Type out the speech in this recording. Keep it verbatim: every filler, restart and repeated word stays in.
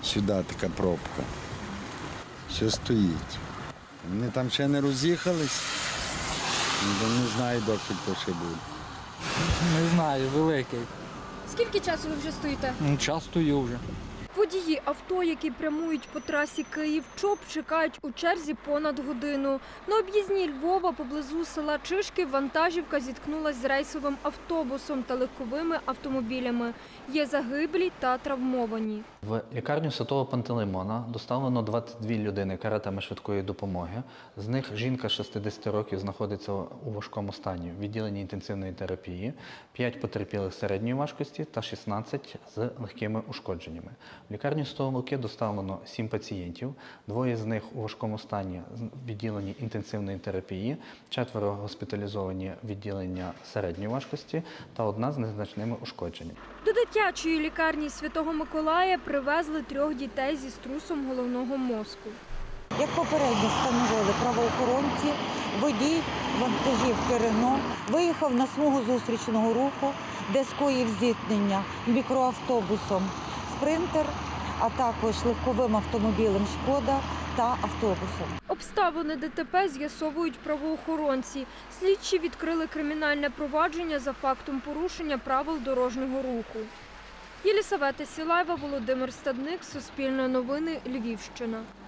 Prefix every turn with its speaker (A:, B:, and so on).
A: Сюди така пробка. Що стоїть. Вони там ще не роз'їхались, не знаю, доки то ще буде.
B: Не знаю, великий.
C: Скільки часу ви вже стоїте?
B: Ну, час стою вже.
C: Водії авто, які прямують по трасі Київ-Чоп, чекають у черзі понад годину. На об'їзній Львова поблизу села Чишки вантажівка зіткнулася з рейсовим автобусом та легковими автомобілями. Є загиблі та травмовані.
D: В лікарню Святого Пантелеймона доставлено двадцять дві людини каретами швидкої допомоги. З них жінка шістдесят років знаходиться у важкому стані в відділенні інтенсивної терапії, п'ять потерпілих середньої важкості та шістнадцять з легкими ушкодженнями. В лікарню Святого Луки доставлено сім пацієнтів, двоє з них у важкому стані в відділенні інтенсивної терапії, четверо госпіталізовані в відділення середньої важкості та одна з незначними ушкодженнями.
C: До дитячої лікарні Святого Миколая привезли трьох дітей зі струсом головного мозку.
E: Як попередньо встановили правоохоронці, водій вантажівки «Рено» виїхав на смугу зустрічного руху, де скоїв зіткнення мікроавтобусом «Спринтер», а також легковим автомобілем «Шкода» та автобусом.
C: Обставини ДТП з'ясовують правоохоронці. Слідчі відкрили кримінальне провадження за фактом порушення правил дорожнього руху. Єлісавета Сілаєва, Володимир Стадник, Суспільне новини, Львівщина.